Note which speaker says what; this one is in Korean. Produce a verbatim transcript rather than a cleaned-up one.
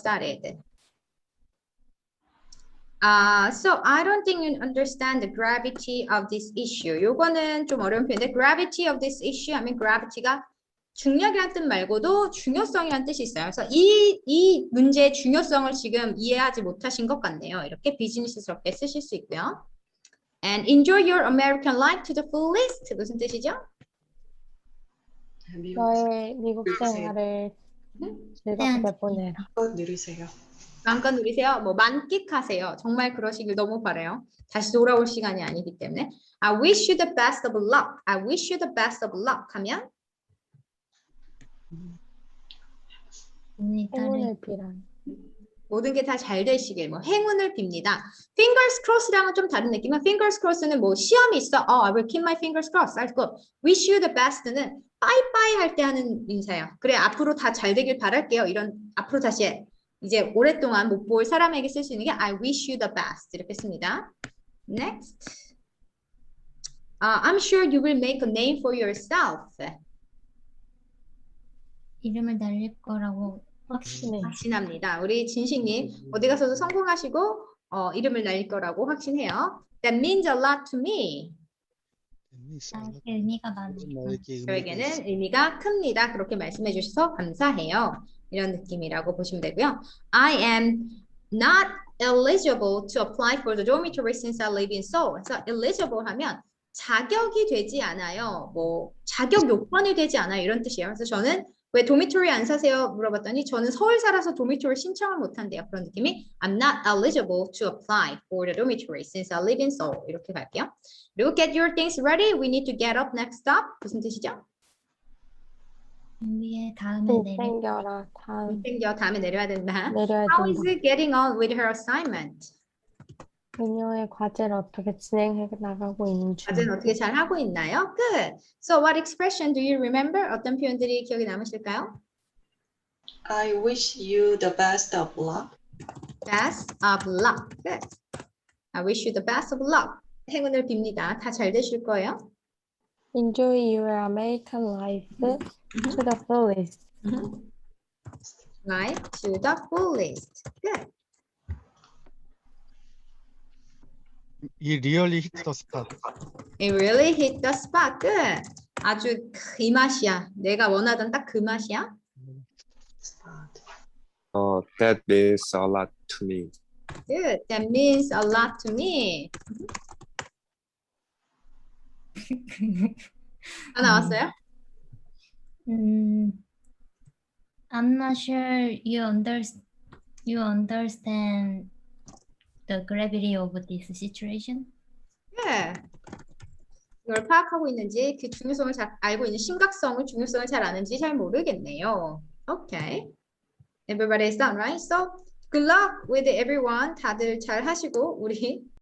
Speaker 1: started. Uh, so I don't think you understand the gravity of this issue. 요거는 좀 어려운 표현인데 gravity of this issue 하면 gravity가 중력이란 뜻 말고도 중요성이란 뜻이 있어요. 그래서 이, 이 문제의 중요성을 지금 이해하지 못하신 것 같네요. 이렇게 비즈니스스럽게 쓰실 수 있고요. And enjoy your American life to the fullest. 무슨 뜻이죠?
Speaker 2: 너의 미국 생활을 즐겁게 보내라.
Speaker 3: 누리세요.
Speaker 1: 마음껏 누리세요. 뭐 만끽하세요. 정말 그러시길 너무 바라요. 다시 돌아올 시간이 아니기 때문에. I wish you the best of luck. I wish you the best of luck 하면
Speaker 2: 행운을 빌어.
Speaker 1: 모든 게 다 잘 되시길 뭐 행운을 빕니다. Fingers crossed랑은 좀 다른 느낌은 fingers crossed는 뭐 시험이 있어. Oh, I will keep my fingers crossed. That's good. Wish you the best는 bye-bye 할 때 하는 인사예요. 그래 앞으로 다 잘 되길 바랄게요. 이런 앞으로 다시 해. 이제 오랫동안 못 볼 사람에게 쓸 수 있는 게 I wish you the best 이렇게 씁니다. Next. Uh, I'm sure you will make a name for yourself.
Speaker 4: 이름을 날릴 거라고
Speaker 2: 확신해.
Speaker 1: 확신합니다. 우리 진식님 어디 가서도 성공하시고 어, 이름을 날릴 거라고 확신해요. That means a lot to me.
Speaker 4: 나에게 의미가 많으니까.
Speaker 1: 저에게는 의미가 큽니다. 그렇게 말씀해 주셔서 감사해요. 이런 느낌이라고 보시면 되고요. I am not eligible to apply for the dormitory since I live in Seoul. 그래서 eligible 하면 자격이 되지 않아요. 뭐 자격 요건이 되지 않아요. 이런 뜻이에요. 그래서 저는 왜 도미토리 안 사세요? 물어봤더니 저는 서울 살아서 도미토리 신청을 못 한대요. 그런 느낌이 I'm not eligible to apply for the dormitory since I live in Seoul. 이렇게 갈게요. 그리고 get your things ready. We need to get up next stop. 무슨 뜻이죠?
Speaker 4: 준비해 다음에
Speaker 2: 돈
Speaker 4: 내려.
Speaker 2: 챙겨라. 다음
Speaker 1: 챙겨 다음에 내려야 된다.
Speaker 2: 내려야
Speaker 1: How is
Speaker 2: 된다.
Speaker 1: it getting on with her assignment?
Speaker 2: 그녀의 과제를 어떻게 진행해 나가고 있는지.
Speaker 1: 과제는 어떻게 잘 하고 있나요? Good. So what expression do you remember? 어떤 표현들이 기억에 남으실까요?
Speaker 3: I wish you the best of luck.
Speaker 1: Best of luck. Good. I wish you the best of luck. 행운을 빕니다. 다 잘 되실 거예요.
Speaker 2: Enjoy your American life to the fullest.
Speaker 1: Life to the fullest. Good.
Speaker 5: He really hit the spot.
Speaker 1: It really hit the spot. Good. 아주 이 맛이야. 내가 원하던 딱 그 맛이야.
Speaker 6: Oh, that means a lot to me.
Speaker 1: Good. That means a lot to me. 다 나왔어요?
Speaker 4: 음, I'm not sure you under you understand the gravity of this situation.
Speaker 1: 네. 이걸 파악하고 있는지 그 중요성을 잘 알고 있는 심각성을 중요성을 잘 아는지 잘 모르겠네요. Okay. Everybody is done, right? So good luck with everyone. 다들 잘 하시고 우리